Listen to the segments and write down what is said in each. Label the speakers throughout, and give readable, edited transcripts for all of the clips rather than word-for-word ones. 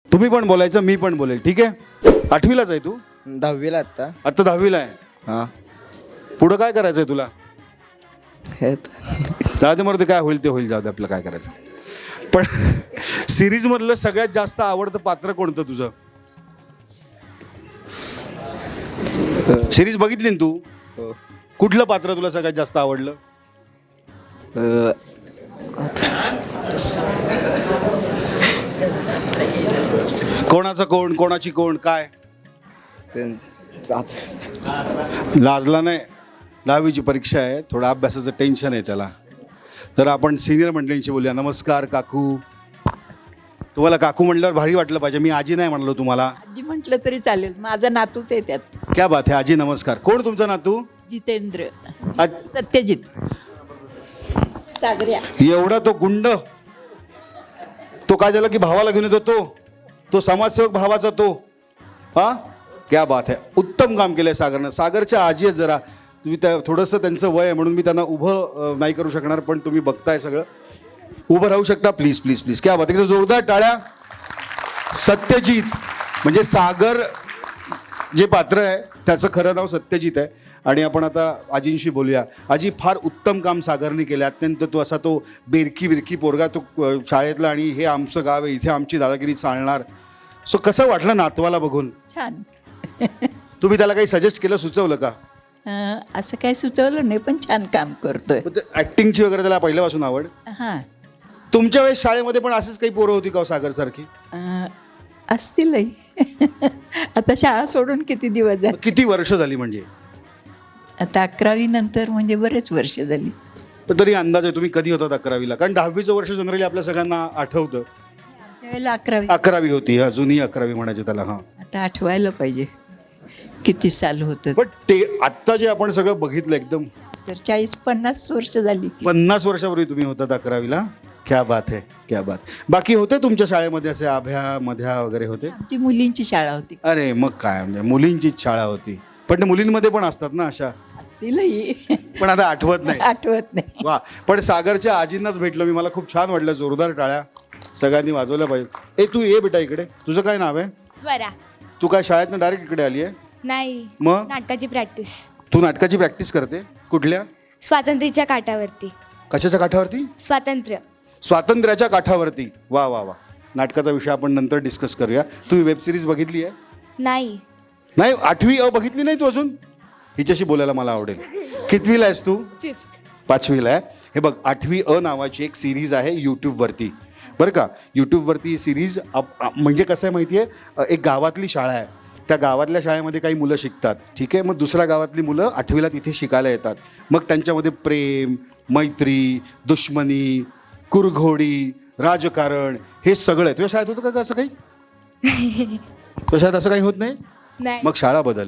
Speaker 1: तुम्ही पण बोलायचं, मी पण बोलेल, ठीक आहे? 8वीलाच आहे तू?
Speaker 2: 10वीला आता.
Speaker 1: आता 10वीला आहे.
Speaker 2: हां.
Speaker 1: पुढं काय करायचंय तुला?
Speaker 2: हे
Speaker 1: जाऊ दे, मग काय होईल ते होईल, जाऊ दे, आपलं काय करायचं. पण सिरीज मधलं सगळ्यात जास्त आवडतं पात्र कोणतं तुझं? सिरीज बघितली ना तू?
Speaker 2: हो.
Speaker 1: कुठलं पात्र तुला सगळ्यात जास्त आवडलं? कोणाचं कोण, कोणाची कोण, काय? लाजला नाही, 10वीची परीक्षा आहे, थोडं अभ्यासाचं टेन्शन आहे त्याला. तर आपण सिनियर मंडळींशी बोलूया. नमस्कार काकू. तुम्हाला काकू म्हटल्यावर भारी वाटलं पाहिजे, मी आजी नाही म्हणलो तुम्हाला.
Speaker 3: आजी म्हटलं तरी चालेल, माझा नातूच आहे त्यात.
Speaker 1: क्या बात आहे. आजी नमस्कार. कोण तुमचा नातू?
Speaker 3: जितेंद्र.
Speaker 1: आज
Speaker 3: सत्यजित सागऱ्या.
Speaker 1: एवढा तो गुंड, तो काय झालं की भावाला घेऊन येतो, तो समाजसेवक भावाचा तो. हा, क्या बात आहे. उत्तम काम केलंय सागरनं. सागरच्या आजी आहेत जरा, तुम्ही त्या थोडंसं त्यांचं वय आहे म्हणून मी त्यांना उभं नाही करू शकणार, पण तुम्ही बघताय सगळं, उभं राहू शकता प्लीज प्लीज प्लीज. क्या बात आहे. जोरदार टाळ्या. सत्यजित म्हणजे सागर जे पात्र आहे त्याचं खरं नाव सत्यजित आहे. आणि आपण आता आजींशी बोलूया. आजी, फार उत्तम काम सागरने केलं. अत्यंत तो असा तो बेरकी बिरकी पोरगा, तो शाळेतला, आणि हे आमचं गाव आहे, इथे आमची दादागिरी चालणार. सो कसं वाटलं नातवाला बघून?
Speaker 3: छान.
Speaker 1: तुम्ही त्याला काही सजेस्ट केलं, सुचवलं का?
Speaker 3: असं काही सुचवलं नाही, पण छान काम करतोय.
Speaker 1: ऍक्टिंगची वगैरे त्याला पहिल्यापासून आवड?
Speaker 3: हां.
Speaker 1: तुमच्या वेळेस शाळेमध्ये पण असेच काही पोरं होती का सागरसारखी?
Speaker 3: असतीलही. आता शाळा सोडून किती दिवस झाले?
Speaker 1: किती वर्ष झाली म्हणजे?
Speaker 3: आता 11वी नंतर म्हणजे बरेच वर्ष झाली.
Speaker 1: पण तरी अंदाज आहे तुम्ही कधी होतात 11वीला? कारण 10वीचं वर्ष जनरली आपल्या सगळ्यांना आठवतं.
Speaker 3: त्यावेळेला 11वी
Speaker 1: 11वी होती, अजूनही 11वी म्हणायचे त्याला. हां,
Speaker 3: आता आठवायला पाहिजे किती साल होतं.
Speaker 1: पण ते आत्ता जे आपण सगळं बघितलं एकदम,
Speaker 3: तर 40-50 वर्ष झाली.
Speaker 1: 50 वर्षापूर्वी तुम्ही होतात 11वीला. क्या बात आहे, क्या बात. बाकी होते तुमच्या शाळेमध्ये असे आभ्या मध्या वगैरे होते?
Speaker 3: आमची मुलींची शाळा होती.
Speaker 1: अरे मग काय, म्हणजे मुलींचीच शाळा होती. पण ते मुलींमध्ये पण असतात ना अशा,
Speaker 3: असतीलही.
Speaker 1: पण आता आठवत नाही.
Speaker 3: आठवत नाही.
Speaker 1: वा, पण सागरच्या आजींनाच भेटलो मी, मला खूप छान वाटलं. जोरदार टाळ्या सगळ्यांनी वाजवल्या पाहिजे. तू ये बेटा इकडे. तुझं काय नाव आहे?
Speaker 4: स्वरा.
Speaker 1: तू काय शाळेतनं डायरेक्ट इकडे आली आहे?
Speaker 4: नाही,
Speaker 1: मग
Speaker 4: नाटकाची प्रॅक्टिस.
Speaker 1: तू नाटकाची प्रॅक्टिस करते? कुठल्या?
Speaker 4: स्वातंत्र्याच्या काठावरती.
Speaker 1: कशाच्या काठावरती?
Speaker 4: स्वातंत्र्य.
Speaker 1: स्वातंत्र्याच्या काठावरती. वा वा वा. नाटकाचा विषय आपण नंतर डिस्कस करूया. तू वेब सिरीज बघितली आहे?
Speaker 4: नाही.
Speaker 1: नाही, 8वी अ बघितली नाही तू अजून? हिच्याशी बोलायला मला आवडेल. कितवीला आहेस तू?
Speaker 4: 5th.
Speaker 1: 5वीला आहे. हे बघ, 8वी अ नावाची एक सिरीज आहे यूट्यूबवरती, बरं का. यूट्यूबवरती ही सिरीज म्हणजे कसं आहे माहिती आहे, एक गावातली शाळा आहे. त्या गावातल्या शाळेमध्ये काही मुलं शिकतात, ठीक आहे. मग दुसऱ्या गावातली मुलं 8वीला तिथे शिकायला येतात. मग त्यांच्यामध्ये प्रेम, मैत्री, दुश्मनी, कुरघोडी, राजकारण, हे सगळं आहे. तुझ्या शाळेत होतं का असं काही? तुझ्या शाळेत असं काही होत नाही?
Speaker 4: नाही.
Speaker 1: मग शाळा बदल.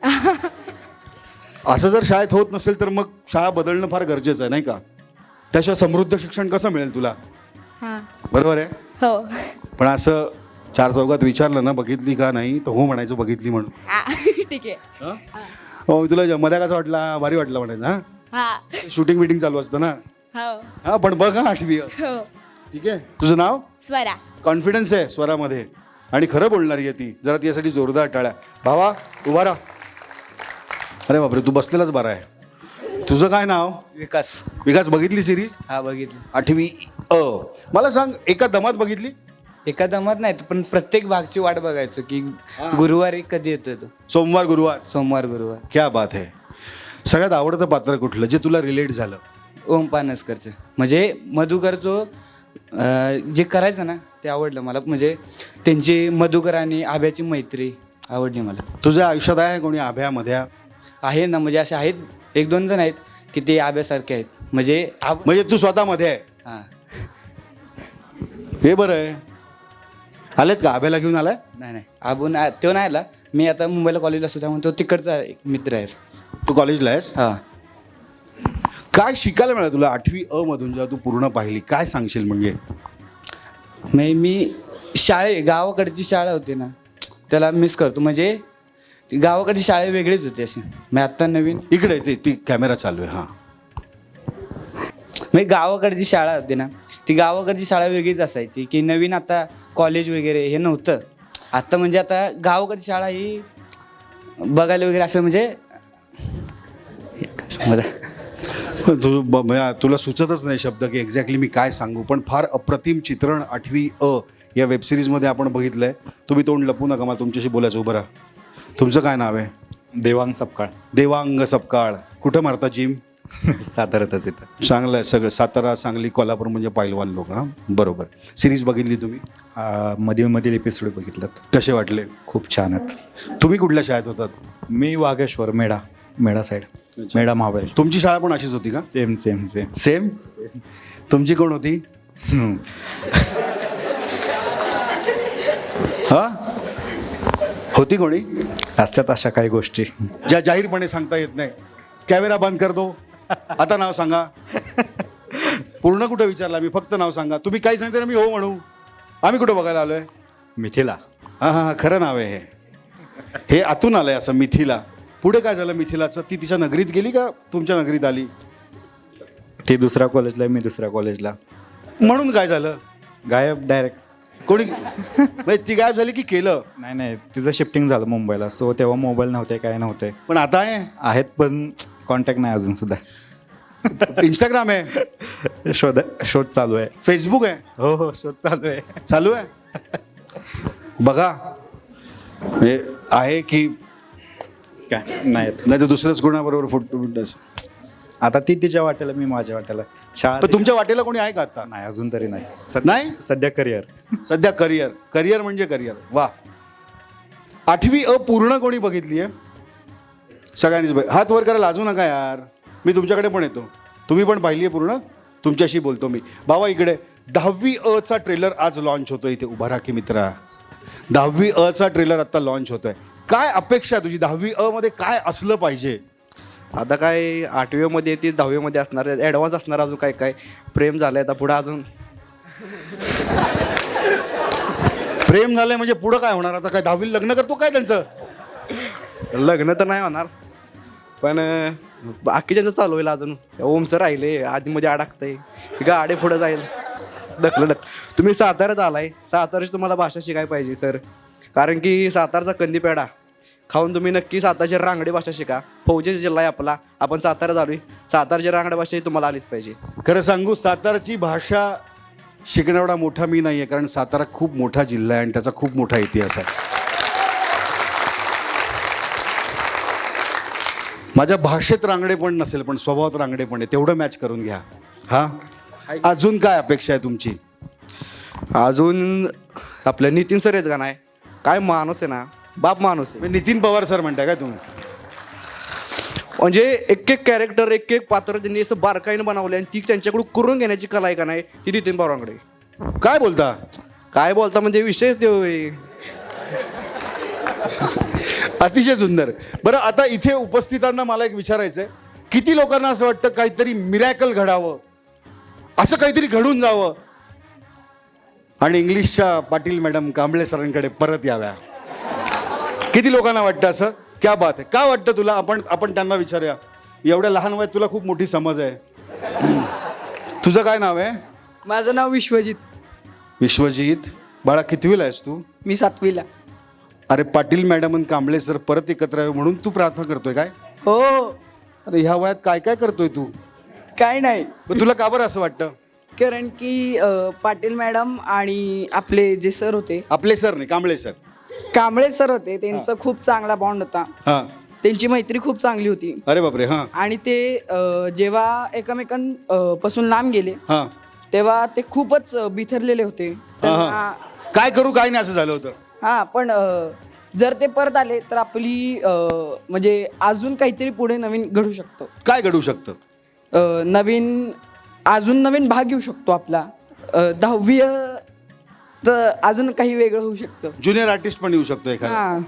Speaker 1: असं जर शाळेत होत नसेल तर मग शाळा बदलणं फार गरजेचं आहे, नाही का? त्याशिवाय समृद्ध शिक्षण कसं मिळेल तुला?
Speaker 4: हां.
Speaker 1: बरोबर आहे.
Speaker 4: हो.
Speaker 1: पण असं 4 चौघात विचारलं ना, बघितली का नाही, तर हो म्हणायचं, बघितली म्हणून.
Speaker 4: ठीक आहे.
Speaker 1: हो, तुला मध्ये कसा वाटला? भारी वाटला म्हणायचं. हां,
Speaker 4: हां.
Speaker 1: शूटिंग बिटिंग चालू असतं ना.
Speaker 4: हो.
Speaker 1: हां, पण बघ हा 8वी.
Speaker 4: हो.
Speaker 1: ठीक आहे. तुझं नाव?
Speaker 4: स्वरा.
Speaker 1: कॉन्फिडन्स आहे स्वरामध्ये, आणि खरं बोलणारी आहे ती. जरा तिच्यासाठी जोरदार टाळ्या. भावा उभा राहा. अरे बापरे, तू बसलेलाच बरा आहे. तुझं काय नाव?
Speaker 2: विकास.
Speaker 1: विकास, बघितली सिरीज?
Speaker 2: हा, बघितली.
Speaker 1: 8वी अ. मला सांग, एका दमात बघितली?
Speaker 2: एका दमात नाही, पण प्रत्येक भागची वाट बघायचो की गुरुवारी कधी येतोय तो.
Speaker 1: सोमवार गुरुवार.
Speaker 2: सोमवार गुरुवार.
Speaker 1: क्या बात आहे. सगळ्यात आवडतं पात्र कुठलं जे तुला रिलेट झालं?
Speaker 2: ओम पानसकरचं, म्हणजे मधुकरचं जे करायचं ना ते आवडलं मला. म्हणजे त्यांची मधुकर आणि आभ्याची मैत्री आवडली मला.
Speaker 1: तुझ्या आयुष्यात आहे कोणी आभ्या मध्या?
Speaker 2: आहे ना, म्हणजे असे आहेत 1-2 जण आहेत की ते आभ्यासारखे आहेत. म्हणजे
Speaker 1: तू स्वतःमध्ये आहे?
Speaker 2: हां.
Speaker 1: हे बरं आहे. आलेत का? आभ्याला घेऊन आलाय?
Speaker 2: नाही, आबून तो नाही आला. मी आता मुंबईला कॉलेजला असतो, त्यामुळे तो तिकडचा एक मित्र आहे.
Speaker 1: तू कॉलेजला आहेस?
Speaker 2: हां.
Speaker 1: काय शिकायला मिळालं तुला 8वी अ मधून जेव्हा तू पूर्ण पाहिली? काय सांगशील? म्हणजे
Speaker 2: मी गावाकडची शाळा होती ना, त्याला मिस करतो. म्हणजे गावाकडची शाळा वेगळीच होती अशी. मी आत्ता नवीन
Speaker 1: इकडे ती कॅमेरा चालू आहे. हां,
Speaker 2: म्हणजे गावाकडची शाळा होती ना, ती गावाकडची शाळा वेगळीच असायची की नवीन आता कॉलेज वगैरे हे नव्हतं. आता म्हणजे आता गावाकडची शाळा ही बघायला वगैरे असं म्हणजे काय सांगू आता?
Speaker 1: तुला सुचतच नाही शब्द की एक्झॅक्टली मी काय सांगू, पण फार अप्रतिम चित्रण 8वी अ या वेबसिरीजमध्ये आपण बघितलं आहे. तुम्ही तोंड लपू नका, मला तुमच्याशी बोलायचं. उभं राहा. तुमचं काय नाव आहे?
Speaker 5: देवांग सपकाळ.
Speaker 1: देवांग सपकाळ. कुठं मारता जिम?
Speaker 5: साताऱ्यातच येतं.
Speaker 1: चांगलं आहे सगळं. सातारा, सांगली, कोल्हापूर म्हणजे पैलवान लोक. हां, बरोबर. सिरीज बघितली तुम्ही?
Speaker 5: मधील एपिसोड बघितलं.
Speaker 1: कसे वाटले?
Speaker 5: खूप छान आहेत.
Speaker 1: तुम्ही कुठल्या शाळेत होतात?
Speaker 5: मी वाघेश्वर, मेढा साईड, मेढा महाबळेश्वर.
Speaker 1: तुमची शाळा पण अशीच होती का?
Speaker 5: Same same same.
Speaker 1: सेम. तुमची कोण होती? हा, होती कोणी?
Speaker 5: असतात अशा काही गोष्टी
Speaker 1: ज्या जाहीरपणे सांगता येत नाही. कॅमेरा बंद कर दो. आता नाव सांगा. पूर्ण कुठं विचारला मी, फक्त नाव सांगा. तुम्ही काही सांगता ना मी हो म्हणू. आम्ही कुठं बघायला आलोय?
Speaker 5: मिथिला.
Speaker 1: हां हां हां, खरं नाव आहे हे आतून आलंय असं, मिथिला. पुढे काय झालं मिथिलाचं? ती तिच्या नगरीत गेली का तुमच्या नगरीत आली?
Speaker 5: ती दुसऱ्या कॉलेजला, मी दुसऱ्या कॉलेजला.
Speaker 1: म्हणून काय झालं?
Speaker 5: गायब डायरेक्ट.
Speaker 1: कोणी म्हणजे ती गायब झाली की केलं?
Speaker 5: नाही, तिचं शिफ्टिंग झालं मुंबईला. सो तेव्हा मोबाईल नव्हते, काय नव्हते.
Speaker 1: पण आता आहे?
Speaker 5: आहेत पण कॉन्टॅक्ट नाही अजून सुद्धा.
Speaker 1: इंस्टाग्राम आहे,
Speaker 5: शोध चालू आहे.
Speaker 1: फेसबुक आहे.
Speaker 5: हो, शोध चालू आहे.
Speaker 1: चालू आहे. बघा हे आहे की
Speaker 5: काय नाहीत.
Speaker 1: नाही तर दुसरंच कोणाबरोबर फोटो.
Speaker 5: आता ती तिच्या वाट्याला, मी माझ्या वाट्याला. शाळा
Speaker 1: पण तुमच्या वाटेला कोणी आहे का आता?
Speaker 5: नाही, अजून तरी नाही.
Speaker 1: नाही?
Speaker 5: सध्या करिअर.
Speaker 1: सध्या करिअर म्हणजे करिअर. वा. 8वी अ पूर्ण कोणी बघितली आहे? सगळ्यांनीच हात वर करा, लाजू नका यार. मी तुमच्याकडे पण येतो. तुम्ही पण पाहिली आहे पूर्ण? तुमच्याशी बोलतो मी. बाबा इकडे 10वी अ चा ट्रेलर आज लॉन्च होतोय. इथे उभा राहा की मित्रा. 10वी अ चा ट्रेलर आत्ता लॉन्च होतोय. काय अपेक्षा आहे तुझी? 10वी अ मध्ये काय असलं पाहिजे?
Speaker 6: आता काय 8वी मध्ये ती 10वी मध्ये असणार, ॲडव्हान्स असणार. अजून काय काय प्रेम झालंय आता पुढं अजून.
Speaker 1: प्रेम झालंय म्हणजे पुढं काय होणार? आता काय 10वी लग्न करतो काय त्यांचं?
Speaker 6: लग्न तर नाही होणार, पण बाकीच्याचं चालू होईल. अजून ओमचं राहिले, आधीमध्ये अडकतंय, गाडी पुढं जाईल. ढकलत. तुम्ही साताऱ्यात आलाय, साताऱ्याची तुम्हाला भाषा शिकायला पाहिजे सर. कारण की सातारचा कंदी पेढा खाऊन तुम्ही नक्की सातारची रांगडी भाषा शिका. फौजी जिल्हा आहे आपला, आपण सातारा चालू आहे. सातारची रांगडी भाषा ही तुम्हाला आलीच पाहिजे.
Speaker 1: खरं सांगू, सातारची भाषा शिकण्याएवढा मोठा मी नाही आहे, कारण सातारा खूप मोठा जिल्हा आहे आणि त्याचा खूप मोठा इतिहास आहे. माझ्या भाषेत रांगडे पण नसेल, पण स्वभावात रांगडे पण आहे. तेवढं मॅच करून घ्या. हा, अजून काय अपेक्षा आहे तुमची?
Speaker 6: अजून आपलं नितीन सर आहेत का नाही, काय माणूस आहे ना, बाप माणूस आहे.
Speaker 1: नितीन पवार सर म्हणताय काय तुम्ही?
Speaker 6: म्हणजे एक एक कॅरेक्टर, एक एक पात्र त्यांनी असं बारकाईनं बनवले आणि ती त्यांच्याकडून करून घेण्याची कला आहे का नाही, ती नितीन पवारांकडे.
Speaker 1: काय बोलता?
Speaker 6: काय बोलता म्हणजे विषयच देऊ.
Speaker 1: अतिशय सुंदर. बरं, आता इथे उपस्थितांना मला एक विचारायचं आहे, किती लोकांना असं वाटतं काहीतरी मिरॅकल घडावं, असं काहीतरी घडून जावं आणि इंग्लिशच्या पाटील मॅडम कांबळे सरांकडे परत याव्या? किती लोकांना वाटतं असं? क्या बात आहे. का वाटतं तुला? आपण त्यांना विचारूया. एवढ्या लहान वयात तुला खूप मोठी समज आहे. तुझं काय नाव आहे?
Speaker 7: माझं नाव विश्वजित.
Speaker 1: विश्वजित. बाळा कितवीला आहेस तू?
Speaker 7: मी 7वीला.
Speaker 1: अरे, पाटील मॅडम आणि कांबळे सर परत एकत्र यावे म्हणून तू प्रार्थना करतोय काय?
Speaker 7: हो.
Speaker 1: अरे, ह्या वयात काय काय करतोय तू?
Speaker 7: काय नाही,
Speaker 1: पण तुला का बरं असं वाटतं?
Speaker 7: कारण की पाटील मॅडम आणि आपले जे सर होते,
Speaker 1: आपले सर नाही, कांबळे सर,
Speaker 7: कांबळे सर होते, त्यांचा खूप चांगला बॉन्ड होता.
Speaker 1: हां.
Speaker 7: त्यांची मैत्री खूप चांगली होती.
Speaker 1: अरे बापरे. हां
Speaker 7: आणि ते जेव्हा एकमेकांपासून लांब गेले
Speaker 1: हां
Speaker 7: तेव्हा ते खूपच बिथरलेले होते. त्यांना
Speaker 1: काय करू काय नाही असं झालं होतं.
Speaker 7: हां, पण जर ते परत आले तर आपली म्हणजे अजून काहीतरी पुढे नवीन घडू शकतं.
Speaker 1: काय घडू शकतं?
Speaker 7: अजून नवीन भाग घेऊ शकतो आपला. 10वी अजून काही वेगळं होऊ शकतं.
Speaker 1: ज्युनियर आर्टिस्ट पण येऊ शकतो एखादा.
Speaker 7: हां.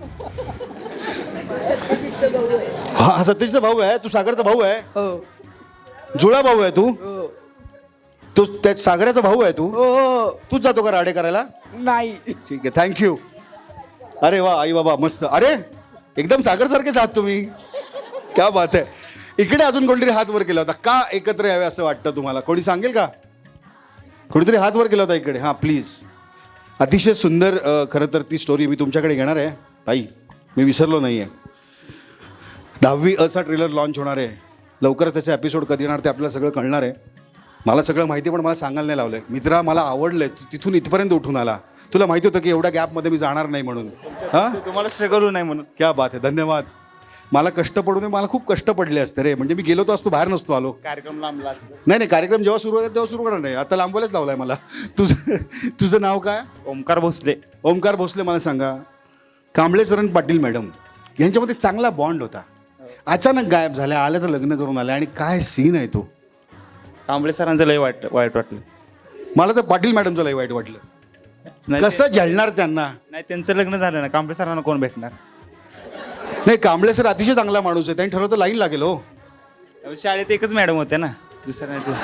Speaker 1: हा, सतीशचा भाऊ आहे तू, सागरचा भाऊ आहे,
Speaker 7: हो
Speaker 1: जुळा भाऊ आहे तू.
Speaker 7: हो
Speaker 1: तू त्या सागराचा भाऊ आहे तू.
Speaker 7: हो.
Speaker 1: तूच जातो का राडे करायला?
Speaker 7: नाही.
Speaker 1: ठीक आहे, थँक्यू. अरे वा, आई बाबा मस्त. अरे, एकदम सागर सारखेच आहात तुम्ही. क्या बात आहे. इकडे अजून कोणतरी हात वर केला होता. का एकत्र यावे असं वाटतं तुम्हाला? कोणी सांगेल का? कोणीतरी हात वर केला होता इकडे. हां प्लीज. अतिशय सुंदर खरं तर ती स्टोरी मी तुमच्याकडे घेणार आहे ताई, मी विसरलो नाही आहे. 10वी अचा ट्रेलर लॉन्च होणार आहे लवकरच. त्याचा एपिसोड कधी येणार ते आपल्याला सगळं कळणार आहे. मला सगळं माहिती आहे पण मला सांगायला नाही लावलं आहे. मित्रा मला आवडलं आहे, तिथून इथपर्यंत उठून आला. तुला माहिती होतं की एवढ्या गॅपमध्ये मी जाणार नाही म्हणून. हां
Speaker 2: तुम्हाला स्ट्रगल नाही म्हणून.
Speaker 1: क्या बात आहे, धन्यवाद. मला कष्ट पडू नये, मला खूप कष्ट पडले असते रे. म्हणजे मी गेलो तो असतो, बाहेर नसतो आलो.
Speaker 2: कार्यक्रम लांबला असतो.
Speaker 1: नाही कार्यक्रम जेव्हा सुरू होईल तेव्हा सुरू करणार नाही. आता लांबवायलाच लावलाय मला. तुझं नाव काय?
Speaker 2: ओमकार भोसले.
Speaker 1: ओमकार भोसले. मला सांगा, कांबळे सरण पाटील मॅडम यांच्यामध्ये चांगला बॉन्ड होता, अचानक गायब झाल्या, आल्या तर लग्न करून आल्या. आणि काय सीन आहे तो.
Speaker 2: कांबळे सरांचं लय वाईट वाटलं.
Speaker 1: मला तर पाटील मॅडमचं लय वाईट वाटलं.
Speaker 2: नाही
Speaker 1: कसं झेलणार त्यांना.
Speaker 2: नाही त्यांचं लग्न झालं ना, कांबळे सरांना कोण भेटणार.
Speaker 1: नाही कांबळे सर अतिशय चांगला माणूस आहे, त्यांनी ठरवतं लाईन लागेल हो.
Speaker 2: शाळेत एकच मॅडम होत्या ना, दुसऱ्या नाही ते.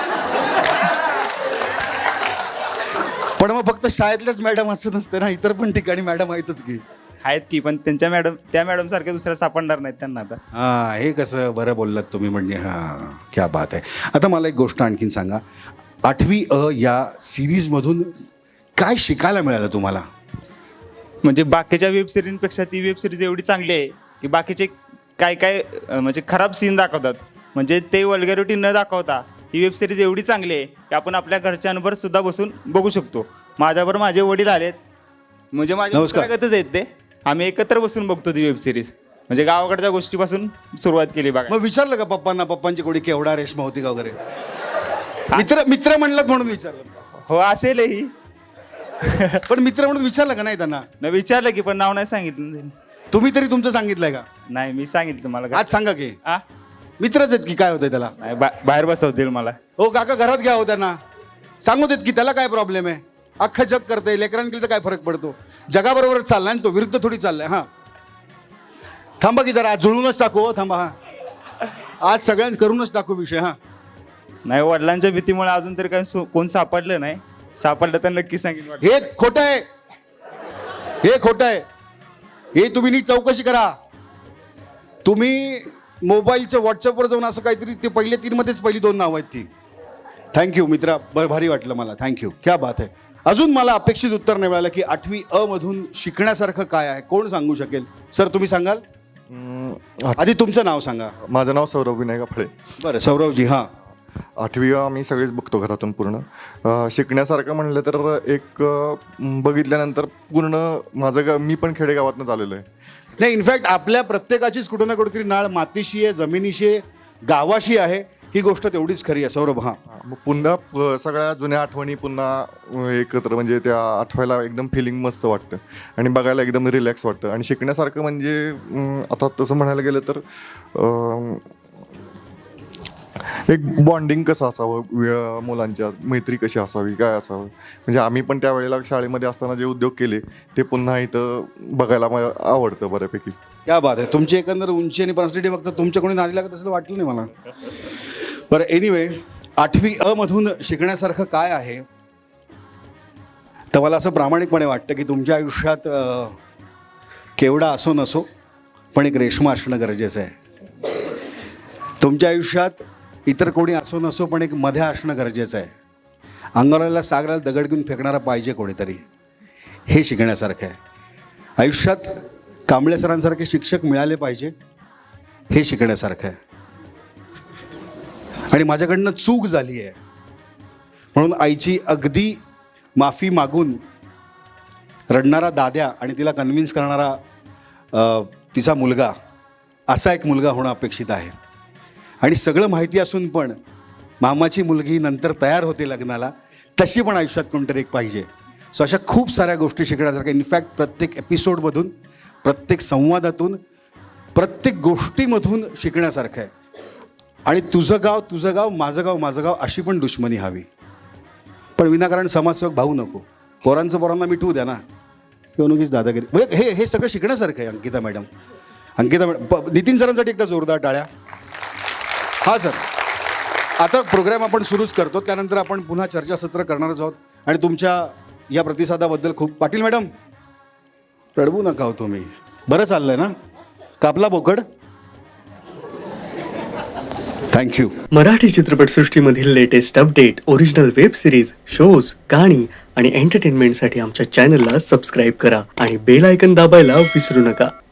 Speaker 1: पण मग फक्त शाळेतल्याच मॅडम असं नसते ना, इतर पण ठिकाणी मॅडम आहेतच की.
Speaker 2: आहेत की, पण त्यांच्या त्या मॅडम सारख्या दुसऱ्या सापडणार नाहीत त्यांना आता.
Speaker 1: हां हे कसं बरं बोललात तुम्ही. म्हणजे हां क्या बात आहे. आता मला एक गोष्ट आणखीन सांगा, 8वी अ या सिरीजमधून काय शिकायला मिळालं तुम्हाला?
Speaker 2: म्हणजे बाकीच्या वेब सिरीजपेक्षा ती वेब सिरीज एवढी चांगली आहे की बाकीचे काय म्हणजे खराब सीन दाखवतात, म्हणजे ते वल्गॅरिटी न दाखवता ही वेब सिरीज एवढी चांगली आहे की आपण आपल्या घरच्यांवर सुद्धा बसून बघू शकतो. माझ्यावर माझे वडील आलेत, म्हणजे माझ्या
Speaker 1: नमस्कार.
Speaker 2: मित्रागतच आहेत ते. आम्ही एकत्र बसून बघतो ती वेब सिरीज. म्हणजे गावाकडच्या गोष्टीपासून सुरुवात केली बघा.
Speaker 1: मग विचारलं का पप्पांना, पप्पांची कोणी केवढा रेशमा होती का वगैरे? मित्र म्हणलात म्हणून विचारलं.
Speaker 2: हो असेलही.
Speaker 1: पण मित्र म्हणून विचारलं का नाही त्यांना?
Speaker 2: न विचारलं की, पण नाव नाही सांगितलं.
Speaker 1: तुम्ही तरी तुमचं सांगितलंय का?
Speaker 2: नाही मी सांगितलं तुम्हाला.
Speaker 1: आज सांगा की
Speaker 2: आ
Speaker 1: मित्रच आहेत की काय होतंय त्याला?
Speaker 2: नाही बाहेर बसवतील मला.
Speaker 1: हो काका घरात घ्या हो त्यांना, सांगू देत की त्याला काय प्रॉब्लेम आहे. अख्खं जग करतंय, लेकरांकडे तर काय फरक पडतो. जगाबरोबरच चाललाय आणि तो विरुद्ध थोडी चाललाय. हां थांबा की जरा, आज जुळूनच टाकू. हो थांबा. हां आज सगळ्यांना करूनच टाकू विषय. हां
Speaker 2: नाही वडिलांच्या भीतीमुळे अजून तरी काही कोण सापडलं नाही. सापडलं तर नक्की सांगेन.
Speaker 1: हे खोटं आहे, हे खोटं आहे. हे तुम्ही नीट चौकशी करा. तुम्ही मोबाईलच्या व्हॉट्सअपवर जाऊन असं काहीतरी, ते पहिले 3 मध्येच पहिली 2 नावं आहेत ती. थँक्यू मित्रा, भारी वाटलं मला. थँक्यू, क्या बात आहे. अजून मला अपेक्षित उत्तर नाही मिळालं की 8वी अ मधून शिकण्यासारखं काय आहे. कोण सांगू शकेल? सर तुम्ही सांगाल? आधी तुमचं नाव सांगा.
Speaker 8: माझं नाव सौरभ विनायक फळे.
Speaker 1: बरं सौरवजी. हां
Speaker 8: 8वी आम्ही सगळेच बघतो घरातून पूर्ण. शिकण्यासारखं म्हणलं तर एक बघितल्यानंतर पूर्ण माझं मी पण खेडेगावातून आलेलो आहे.
Speaker 1: नाही इनफॅक्ट आपल्या प्रत्येकाचीच कुठं ना कुठेतरी नाळ मातीशी आहे, जमिनीशी आहे, गावाशी आहे. ही गोष्ट तेवढीच खरी आहे सौरभ. हां
Speaker 8: मग पुन्हा सगळ्या जुन्या आठवणी पुन्हा एकत्र, म्हणजे त्या आठवायला एकदम फिलिंग मस्त वाटतं आणि बघायला एकदम रिलॅक्स वाटतं. आणि शिकण्यासारखं म्हणजे आता तसं म्हणायला गेलं तर एक बॉन्डिंग कसं असावं मुलांच्या, मैत्री कशी असावी, काय असावं. म्हणजे आम्ही पण त्यावेळेला शाळेमध्ये असताना जे उद्योग केले ते पुन्हा इथं बघायला मला आवडतं बऱ्यापैकी.
Speaker 1: क्या बात आहे. तुमची एकंदर उंची आणि पर्सनॅलिटी बघता तुमच्या कोणी नादी लागत असं वाटलं नाही मला. बरं एनिवे, 8वी अ मधून शिकण्यासारखं काय आहे? तर मला असं प्रामाणिकपणे वाटतं की तुमच्या आयुष्यात केवढा असो नसो पण एक रेशमा असणं गरजेचं आहे. तुमच्या आयुष्यात इतर कोणी असो नसो पण एक मध्या असणं गरजेचं आहे. अंगाला सागराला दगड घेऊन फेकणारा पाहिजे कोणीतरी. हे शिकण्यासारखं आहे. आयुष्यात कांबळे सरांसारखे शिक्षक मिळाले पाहिजे, हे शिकण्यासारखं आहे. आणि माझ्याकडनं चूक झाली आहे म्हणून आईची अगदी माफी मागून रडणारा दाद्या आणि तिला कन्व्हिन्स करणारा तिचा मुलगा, असा एक मुलगा होणं अपेक्षित आहे. आणि सगळं माहिती असून पण मामाची मुलगी नंतर तयार होते लग्नाला, तशी पण आयुष्यात कोणतरी एक पाहिजे. सो अशा खूप साऱ्या गोष्टी शिकण्यासारख्या. इनफॅक्ट प्रत्येक एपिसोडमधून, प्रत्येक संवादातून, प्रत्येक गोष्टीमधून शिकण्यासारखं आहे. आणि तुझं गाव, माझं गाव अशी पण दुश्मनी हवी. पण विनाकारण समाजसेवक भाऊ नको. पोरांना मिटवू द्या ना, किंवा नक्कीच दादागिरी. म्हणजे हे सगळं शिकण्यासारखं आहे. अंकिता मॅडम, नितीन सरांसाठी एकदा जोरदार टाळ्या. हां सर, आता प्रोग्राम आपण सुरूच करतो, त्यानंतर आपण पुन्हा चर्चासत्र करणारच आहोत. आणि तुमच्या या प्रतिसादाबद्दल खूप. पाटील मॅडम रडवू नका हो तुम्ही. बरं चाललंय ना? कापला बोकड? थँक्यू.
Speaker 9: मराठी चित्रपटसृष्टीमधील latest update, original web series, shows, गाणी आणि एंटरटेनमेंटसाठी आमच्या चॅनलला सबस्क्राईब करा आणि बेल आयकन दाबायला विसरू नका.